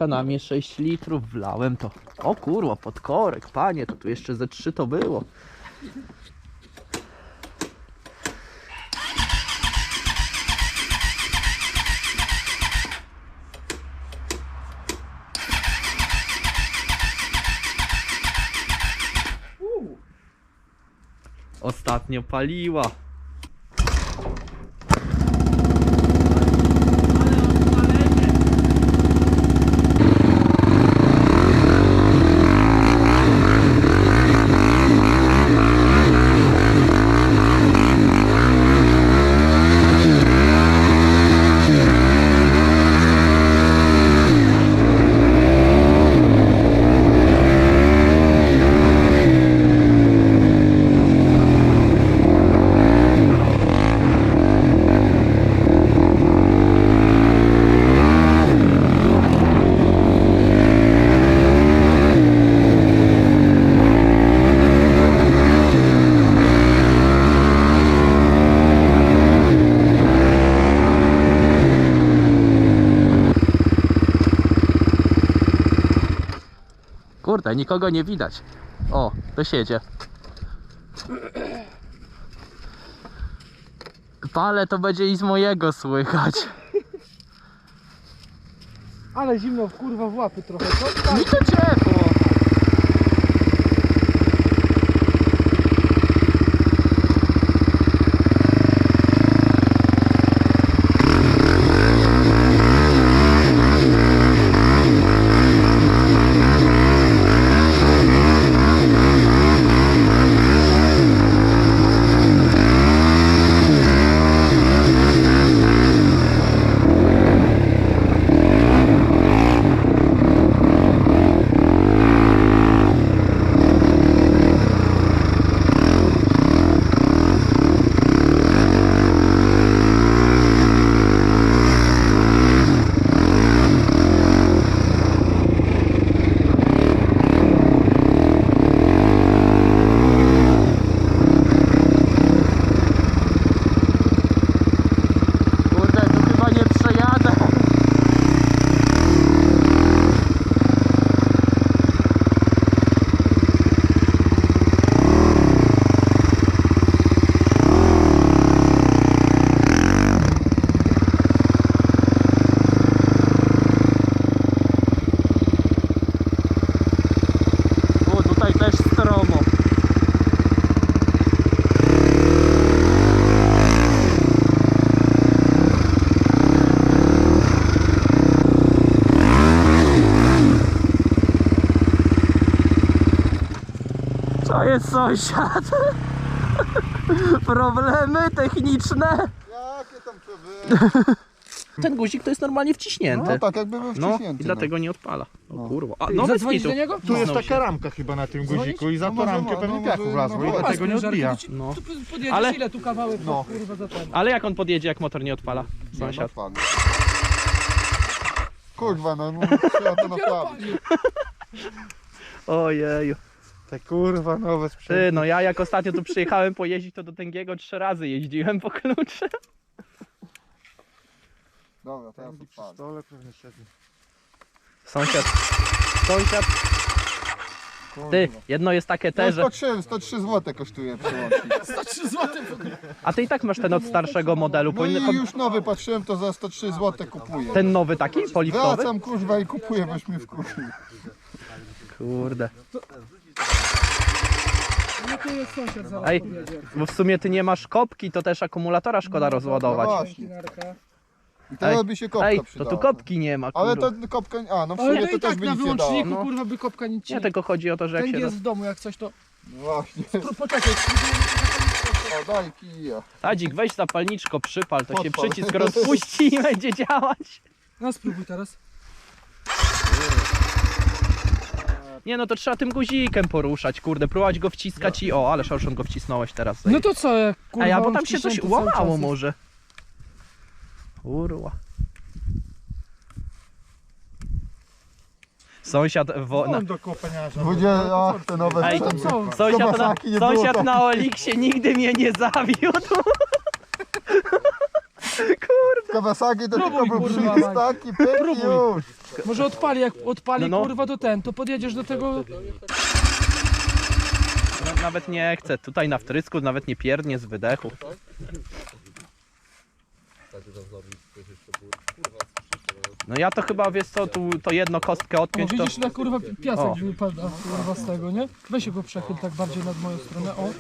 Benzynka na mnie 6 litrów, wlałem to. O kurwa, pod korek, panie, to tu jeszcze ze 3 to było. Ostatnio paliła. Kurde, nikogo nie widać. O, to siedzie. Palę, to będzie i z mojego słychać. Ale zimno kurwa w łapy trochę, co? Mi to ciepło. To jest sąsiad. Problemy techniczne. Jakie tam problemy? Ten guzik to jest normalnie wciśnięty. No tak jakby był No wciśnięty. i dlatego nie odpala. O No. kurwa. A, Ty, no bez zadzwonić kitu. do niego? Tu jest Znał się. taka ramka chyba na tym guziku i za No tą może ramkę ma, pewnie no piachu może- wlazło no i może. dlatego nie odbija. No. Tu podjedziesz, Ale- ile tu kawałek, No. kurwa za ten. Ale jak on podjedzie, jak motor nie odpala? Nie, Sąsiad. no, kurwa, no trzeba to naprawić. Ojeju. Te kurwa nowe Ty, sprzęty. no ja jak ostatnio tu przyjechałem pojeździć, to do Tęgiego 3 razy jeździłem po klucze. Dobra, teraz Przy odpalę. stole pewnie siedzi. Sąsiad. Sąsiad. Ty, jedno jest takie No, te, że... 103 zł kosztuje przełącznik. 103 zł w ogóle. A ty i tak masz ten od starszego modelu. No Powinny... i już nowy patrzyłem, to za 103 zł kupuję. Ten nowy taki, poliftowy? Wracam kurwa i kupuję, boś mnie wkurzył. Kurde. No tu jest sąsiad zaraz Ej, podjedzie. bo w sumie ty nie masz kopki, to też akumulatora szkoda rozładować. No właśnie. Narka. I teraz by się kopka Ej, to przydała. tu kopki nie ma, Ale kurwa. to kopka, a no w Ale sumie to to i też tak by na nic nie dało. wyłączniku, No. kurwa, by kopka nic Nie, tylko chodzi o to, że jak Ten się... jest w domu, jak coś to... No właśnie. Poczekaj, O, daj kija. Tadzik, weź zapalniczko, przypal, to się Podpal. przycisk rozpuści i będzie działać. no spróbuj teraz. Nie no, to trzeba tym guzikiem poruszać, kurde, próbować go wciskać i o, ale szorszon go wcisnąłeś teraz. No to co, jak kurwa Ej, a bo on tam się coś wciśnięty cały łamało czas jest. może. Kurwa. Sąsiad On do kopeniarza. Będzie, ach, te nowe Ej, sprzęty. co? Kiełbasaki nie było. Sąsiad na Oliksie nigdy mnie nie zawiódł. Kurde. Kawasaki to Próbuj, tylko był kurwa, przycisk Mike. taki, pyk i Próbuj. już. Może odpali, jak odpali No. kurwa to podjedziesz do tego. Nawet nie chcę, tutaj na wtrysku nawet nie pierdnie z wydechu. No ja to chyba, wiesz co, tu to jedno kostkę O, odpiąć to... widzisz, na kurwa piasek O. wypada kurwa z tego, nie? Weź go przechyl tak bardziej nad moją stronę, o.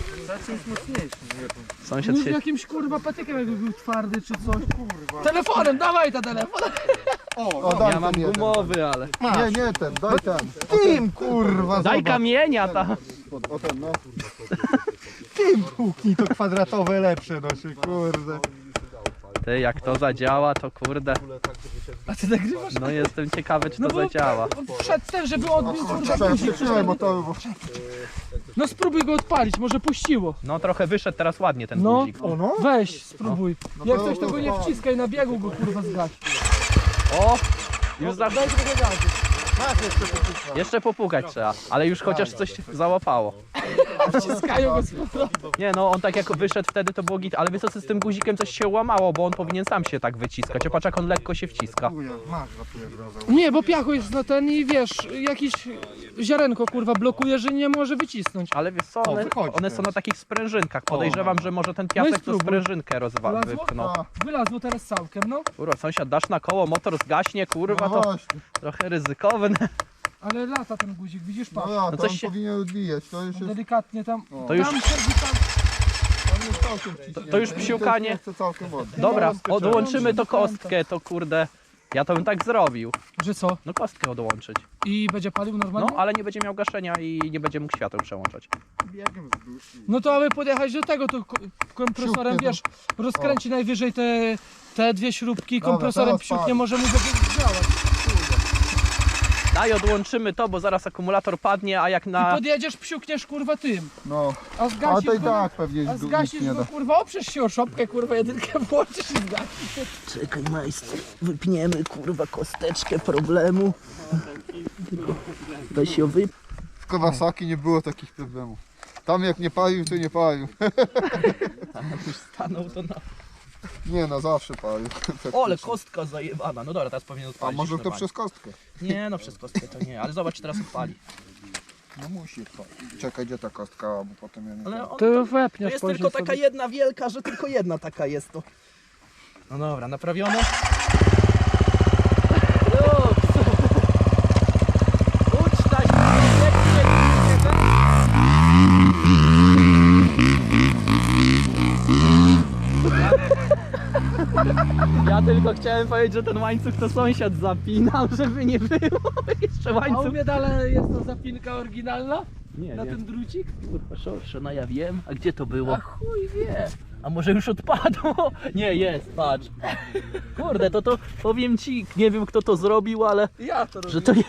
Sąsiad No się... jakimś kurwa patykiem jakby był twardy czy coś. Telefonem, dawaj ta telefon. O, daj Ja mam ten jeden. gumowy, ale... Nie, ten, daj ten. Tym, kurwa, Daj zobacz. kamienia tam! O ten, no. Tym huknij to kwadratowe lepsze, no się kurde. Ty, jak to zadziała, to kurde... A ty nagrywasz? No jestem ciekawy, czy to bo zadziała. wszedł ten, żeby odbił kurwa guzik. Trzymaj motory, bo... No spróbuj go odpalić, może puściło. No trochę wyszedł teraz ładnie ten No. guzik. O no? Weź, spróbuj. Jak to- coś to go nie wciskaj, na biegu go kurwa zgaś. O! Już za... Daj trochę gazu. Jeszcze popukać trzeba, ale już chociaż coś załapało. Wciskają go z powrotem. Nie no, on tak jak wyszedł wtedy to było git, ale wiesz co, z tym guzikiem coś się łamało, bo on powinien sam się tak wyciskać. Patrz jak on lekko się wciska. Masz ratuje grozę. Nie, bo piachu jest na ten i wiesz, jakieś ziarenko kurwa blokuje, że nie może wycisnąć. Ale wiesz co, one wychodzi są na teraz. takich sprężynkach. Podejrzewam, że może ten No i piasek to spróbuj. sprężynkę Wlazło? wypchnął. Wylazło teraz całkiem, no. Kurwa, sąsiad, dasz na koło, motor zgaśnie, kurwa, No to właśnie. trochę ryzykowne. Ale lata ten guzik, widzisz, No patrz. ja, No to coś on się- powinien odbijać, to już jest... Delikatnie tam. To już- Tam siedzi tam. On jest całkiem wciśnięty. To już I psiukanie. jest jeszcze całkiem ładnie. Dobra, No, odłączymy to skryciałem. kostkę, to kurde, ja to bym tak zrobił. Że co? No kostkę odłączyć. I będzie palił No, normalnie? ale nie będzie miał gaszenia i nie będzie mógł świateł przełączać. Biegiem z duszy. No to aby podjechać do tego, to kompresorem, Psiuknie wiesz, rozkręci najwyżej te dwie śrubki, Dobra, kompresorem teraz psiuknie, pali. może mu będzie działać. Daj, odłączymy to, bo zaraz akumulator padnie, a jak I na... podjedziesz, psiukniesz kurwa tym. No, A a zgasisz to i go, tak pewnie a nic zgasisz nie go da. kurwa, oprzesz się o szopkę kurwa, jedynkę włączysz i zgasisz. Czekaj majster, wypniemy kurwa kosteczkę problemu. Tylko weź ją wyp... W Kawasaki nie było takich problemów. Tam jak nie palił, to nie palił. Już stanął to na... Nie no, zawsze palił. O, ale kostka zajebana. No dobra, teraz powinien A odpalić. może już to normalnie. przez kostkę? Nie, no przez kostkę to nie, ale zobacz, teraz odpali. No musi odpalić. Czekaj, gdzie ta kostka, bo potem ja nie Ale wiem. on, To to wepniesz jest później tylko taka sobie. jedna wielka, że tylko jedna taka jest to. No dobra, naprawione. Ucztać, ja tylko chciałem powiedzieć, że ten łańcuch to sąsiad zapinał, żeby nie było jeszcze A u łańcuch. mnie dalej jest to zapinka oryginalna? Nie, Na nie. ten drucik? Kurwa, szorsze, no ja wiem. A gdzie to było? A chuj wie. A może już odpadło? Nie, jest, patrz. Kurde, to powiem ci, nie wiem kto to zrobił, ale Ja to robię. że to nie...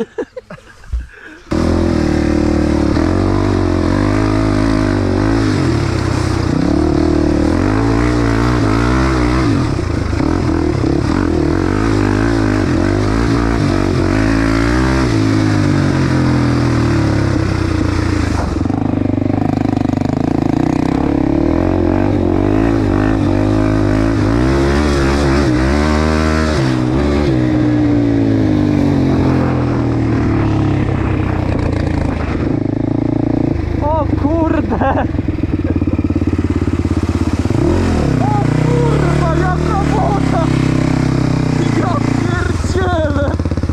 O kurde! O kurwa, jaka woda! Ja pierdzielę!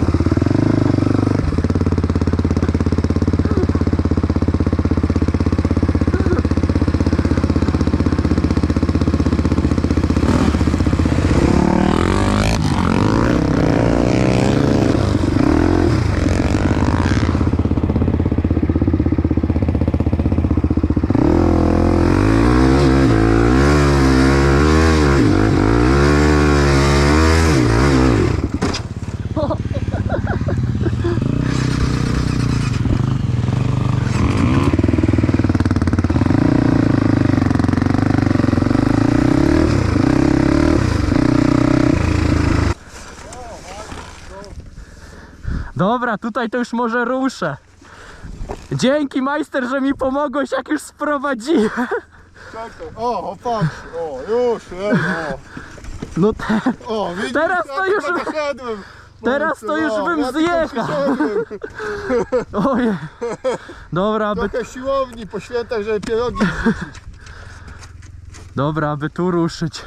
Dobra, tutaj to już może ruszę. Dzięki majster, że mi pomogłeś, jak już sprowadziłem. Czekaj, o, patrz, o, już, o. No O, widzisz, Teraz ja to już- chyba doszedłem. teraz to już bym ja tylko zjechał. przyszedłem. Ojej. Dobra, aby, Trochę siłowni po świętach, żeby pierogi zrzucić. dobra, aby tu ruszyć.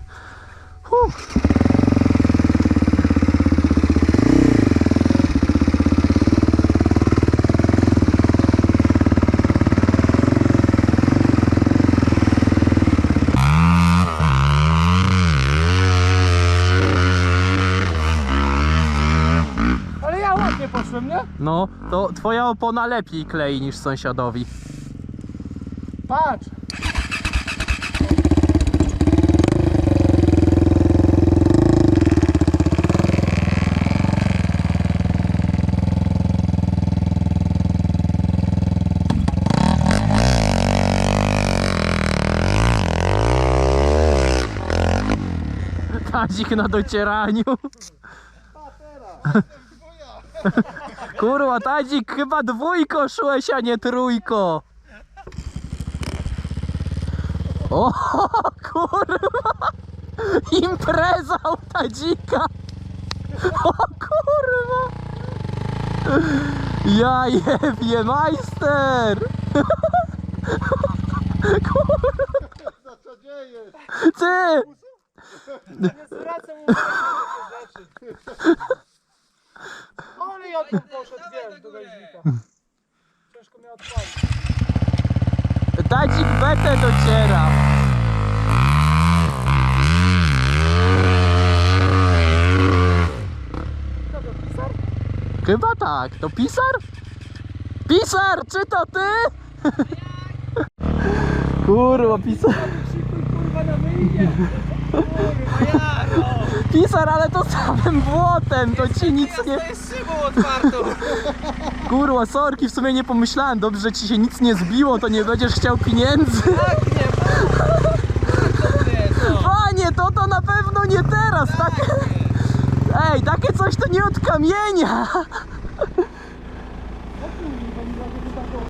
Ale ja ładnie poszłem, nie? No, to twoja opona lepiej klei niż sąsiadowi. Patrz. Tadzik na docieraniu. Kurwa, Tadzik, chyba dwójko szłeś, a nie trójko. O, kurwa. Impreza u Tadzika. O kurwa. Ja jebie, majster. Co dzieje? Ty. Nie zwracam uwagi na takie rzeczy. Ale ja tu poszedł, wiesz, do gaźnika. Ciężko mnie odpalić. Tadzik betę dociera. Kto to pisar? Chyba tak. To pisar? Pisar, czy to ty? Kurwa, pisar. Szykuj kurwa na myjnie. Pisar, ale to samym błotem, to ci nic nie... jest szybą otwartą. Kurwa, sorki, w sumie nie pomyślałem. Dobrze, że ci się nic nie zbiło, to nie będziesz chciał pieniędzy. Tak, nie, Panie, to na pewno nie teraz, tak? Ej, takie coś to nie od kamienia.